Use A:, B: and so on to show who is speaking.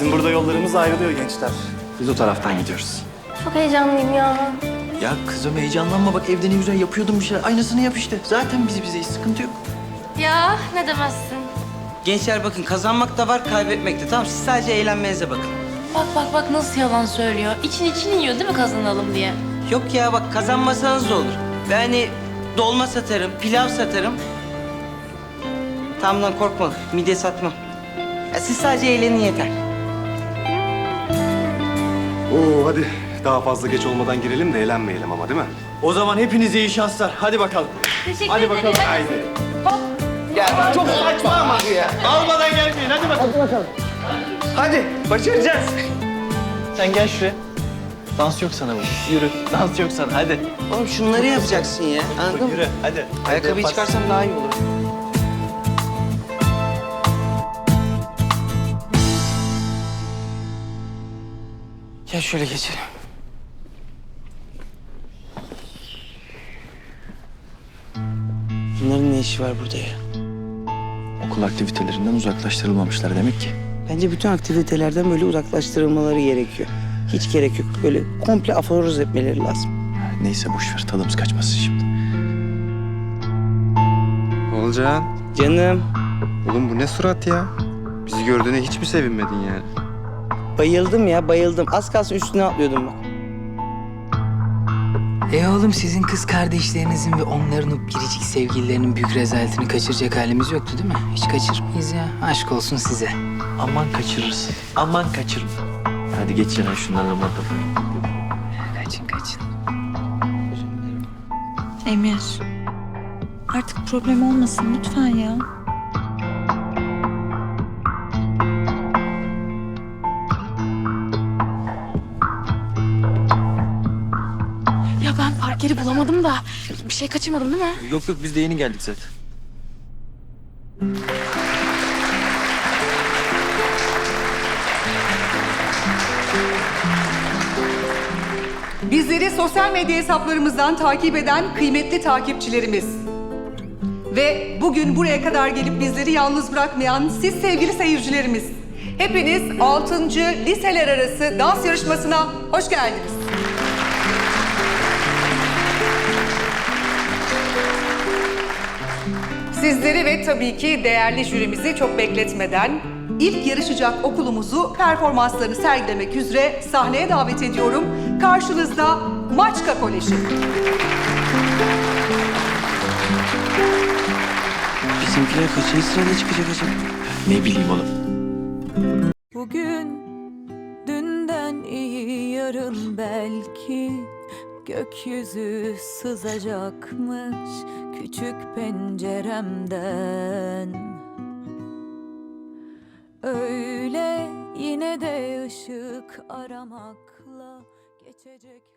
A: Bizim burada yollarımız ayrılıyor gençler. Biz o taraftan gidiyoruz.
B: Çok heyecanlıyım ya.
C: Ya kızım heyecanlanma bak evde ne güzel yapıyordum bir şeyler. Aynısını yap işte. Zaten bizeyiz sıkıntı yok.
B: Ya ne demezsin.
D: Gençler bakın kazanmak da var, kaybetmek de. Tamam siz sadece eğlenmenize bakın.
E: Bak nasıl yalan söylüyor. İçin yiyor değil mi kazanalım diye?
D: Yok ya bak kazanmasanız da olur. Ben hani dolma satarım, pilav satarım. Tamam lan korkma, midye satmam. Ya siz sadece eğlenin yeter.
A: Oo hadi daha fazla geç olmadan girelim de eğlenmeyelim ama değil mi?
C: O zaman hepinize iyi şanslar. Hadi bakalım.
B: Teşekkür
C: Hadi
B: ederim.
C: bakalım. Haydi. Gel. Çok saçma ama ya. Almadan gelmeyin. Hadi bakalım. Hadi bakalım. Hadi. Başaracağız. Sen gel şuraya. Dans yok sana bu. Yürü. Dans yok sana. Hadi.
D: Oğlum şunları yapacaksın ya, anladın mı?
C: Yürü. Hadi.
D: Ayakkabıyı
C: Hadi,
D: çıkarsam daha iyi olur. Gel şöyle geçelim. Bunların ne işi var burada ya?
C: Okul aktivitelerinden uzaklaştırılmamışlar demek ki.
D: Bence bütün aktivitelerden böyle uzaklaştırılmaları gerekiyor. Hiç gerek yok. Böyle komple aforoz etmeleri lazım.
C: Neyse boş ver. Tadımız kaçmasın şimdi.
F: Olcan,
D: Canım,
F: oğlum bu ne surat ya? Bizi gördüğüne hiç mi sevinmedin yani?
D: bayıldım ya, bayıldım. Az kalsın üstüne atlıyordum bak.
G: Oğlum sizin kız kardeşlerinizin ve onların o biricik sevgililerinin büyük rezaletini kaçıracak halimiz yoktu değil mi? Hiç kaçırmayız ya. Aşk olsun size.
C: Aman kaçırırız. Aman kaçırma. Hadi geç yana şunlarla muhatap.
G: Kaçın.
H: Emir, artık problem olmasın lütfen ya.
E: Ya ben park yeri bulamadım da bir şey kaçırmadım değil mi?
C: Yok biz de yeni geldik zaten.
I: Bizleri sosyal medya hesaplarımızdan takip eden kıymetli takipçilerimiz ve bugün buraya kadar gelip bizleri yalnız bırakmayan siz sevgili seyircilerimiz. Hepiniz 6. liseler arası dans yarışmasına hoş geldiniz. Sizleri ve tabii ki değerli jürimizi çok bekletmeden ilk yarışacak okulumuzu performanslarını sergilemek üzere sahneye davet ediyorum. Karşınızda Maçka Koleji.
D: Bizimkiler kaçıncı sırada çıkacak acaba?
C: Ne bileyim oğlum.
H: Bugün dünden iyi yarın belki gökyüzü sızacakmış küçük penceremden. Öyle yine de ışık aramakla geçecek.